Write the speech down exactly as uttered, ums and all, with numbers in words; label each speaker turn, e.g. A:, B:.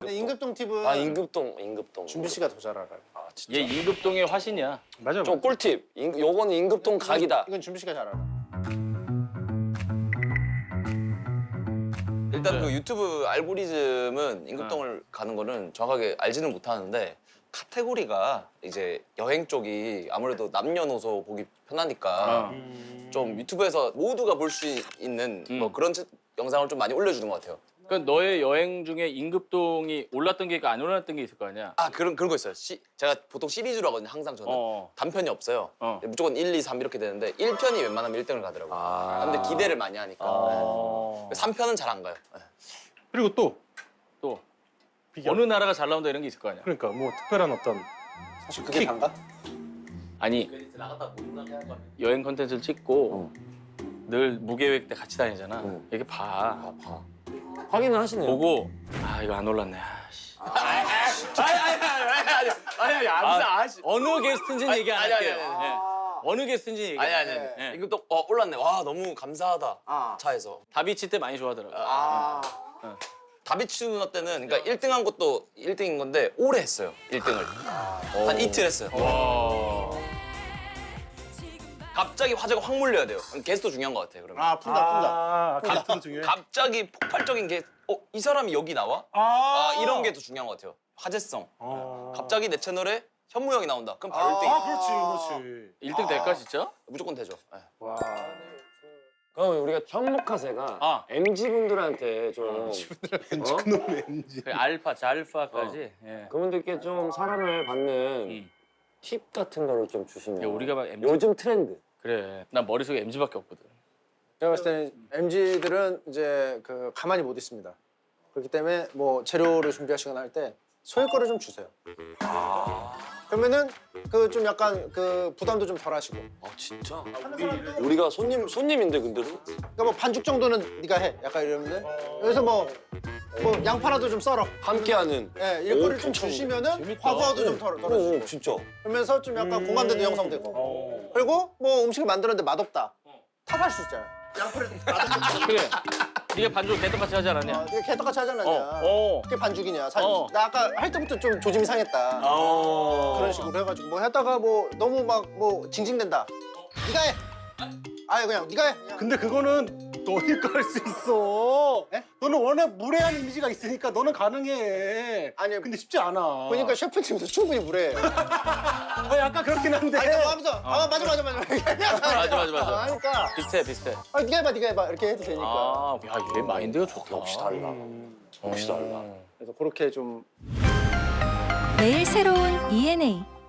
A: 임급동.
B: 임급동 팁은
A: 아 임급동, 임급동.
B: 준비 씨가 더 잘 알아요.
A: 아 진짜.
C: 얘 임급동의 화신이야.
D: 맞아.
A: 좀 꿀팁. 임, 요거는 임급동 각이다.
B: 이건 준비 씨가 잘 알아.
E: 일단 그 유튜브 알고리즘은 임급동을 가는 거는 정확하게 알지는 못하는데 카테고리가 이제 여행 쪽이 아무래도 남녀노소 보기 편하니까
C: 어.
E: 좀 유튜브에서 모두가 볼 수 있는
C: 음.
E: 뭐 그런 체- 영상을 좀 많이 올려주는 것 같아요.
C: 그러니까 너의 여행 중에 임급동이 올랐던 게 있고 안 올랐던 게 있을 거 아니야.
E: 아 그런 그런 거 있어요. 시, 제가 보통 시리즈로 하거든요. 항상 저는
C: 어.
E: 단편이 없어요.
C: 어.
E: 무조건 일, 이, 삼 이렇게 되는데 일 편이 웬만하면 일 등을 가더라고요.
A: 아.
E: 근데 기대를 많이 하니까
C: 어.
E: 삼 편은 잘 안 가요. 네.
D: 그리고 또
C: 또
D: 비교.
C: 어느 나라가 잘 나온다 이런 게 있을 거 아니야.
D: 그러니까 뭐 특별한 어떤
B: 사실 그게 단가?
C: 아니 여행 컨텐츠를 찍고 늘 무계획 때 같이 다니잖아.
A: 어.
C: 이게 봐.
A: 아 봐. 확인을 하시네요.
C: 보고 아 이거 안 올랐네. 아씨.
E: 아니 아니 아니 아니 아니 아니
C: 아,
E: 아니
C: 어느 게스트인지는 얘기 안
E: 아니, 아니,
C: 할게요.
E: 아니, 아니.
C: 예. 어느 게스트인지 얘기
E: 아니
C: 안
E: 아니
C: 할게요.
E: 아니
C: 예.
E: 이거 또 어, 올랐네. 와 너무 감사하다.
B: 아.
E: 차에서.
C: 다비치 때 많이 좋아하더라고.
B: 아.
E: 다비치 누나 때는 그러니까 일 등 한 것도 일 등인 건데 오래 했어요. 일 등을. 한 이틀 했어요.
C: 와.
E: 갑자기 화제가 확 몰려야 돼요. 그럼 게스트 중요한 것 같아요. 그러면.
B: 아 푼다 푼다.
D: 아, 가스도 중요해.
E: 갑자기 폭발적인 게 어, 이 사람이 여기 나와?
D: 아,
E: 아, 이런 게 더 중요한 것 같아요. 화제성.
D: 아.
E: 갑자기 내 채널에 현무 형이 나온다. 그럼 바로 일 등.
D: 아, 그렇지, 그렇지.
C: 일 등 될까 진짜?
E: 무조건 되죠. 네.
D: 와.
A: 그럼 우리가 현목카세가
C: 아.
A: 엠지 분들한테 좀 어?
D: 그놈의 엠지.
C: 그 알파, 잘파까지. 예.
A: 그분들께 좀 사랑을 받는
C: 음.
A: 팁 같은 거를 좀 주시면.
C: 야, 우리가 막 엠지
A: 요즘 트렌드.
C: 그래. 난 머릿속에 엠지밖에 없거든.
B: 제가 봤을 때는 엠지들은 이제 그 가만히 못 있습니다. 그렇기 때문에 뭐 재료를 준비하시거나 할 때 소일 거를 좀 주세요. 그러면은 그 좀 약간 그 부담도 좀 덜 하시고.
A: 아 진짜? 우리가 손님 손님인데 근데도?
B: 그러니까 뭐 반죽 정도는 네가 해. 약간 이러면은 여기서 뭐, 뭐 양파라도 좀 썰어.
A: 함께하는.
B: 예, 일거를
A: 오,
B: 좀
A: 괜찮네.
B: 주시면은
C: 재밌다.
B: 과부하도 좀 덜, 덜어주고.
A: 오, 진짜.
B: 그러면서 좀 약간 공감대도 형성되고. 그리고 뭐 음식을 만들었는데 맛없다. 탓할 수 있잖아요. 양파를 맛없다.
C: 그래. 네가 반죽 개떡같이 하지 않았냐?
B: 어, 이게 개떡같이 하잖아.
C: 어, 어.
B: 그게 반죽이냐. 사실
C: 어.
B: 나 아까 할 때부터 좀 조짐이 상했다.
C: 어.
B: 그런 식으로 해가지고 뭐 했다가 뭐 너무 막 뭐 징징댄다. 네가 해. 아예 그냥 네가 해. 그냥.
D: 근데 그거는 너니까 할 수 있어.
B: 예?
D: 너는 워낙 무례한 이미지가 있으니까 너는 가능해.
B: 아니,
D: 근데 쉽지 않아.
B: 보니까 셰프팀도 충분히 무례해.
D: 아, 약간 그렇긴 한데.
B: 아니 뭐 하면서 아 맞아 맞아 맞아.
C: 맞아, 맞아, 맞아.
B: 하니까
C: 비슷해, 비슷해.
B: 아 네가 해봐 네가 해봐 이렇게 해도 되니까.
C: 아, 야, 얘 마인드가 좋다.
A: 역시 달라. 역시 달라.
C: 어.
B: 그래서 그렇게 좀
F: 매일 새로운 이엔에이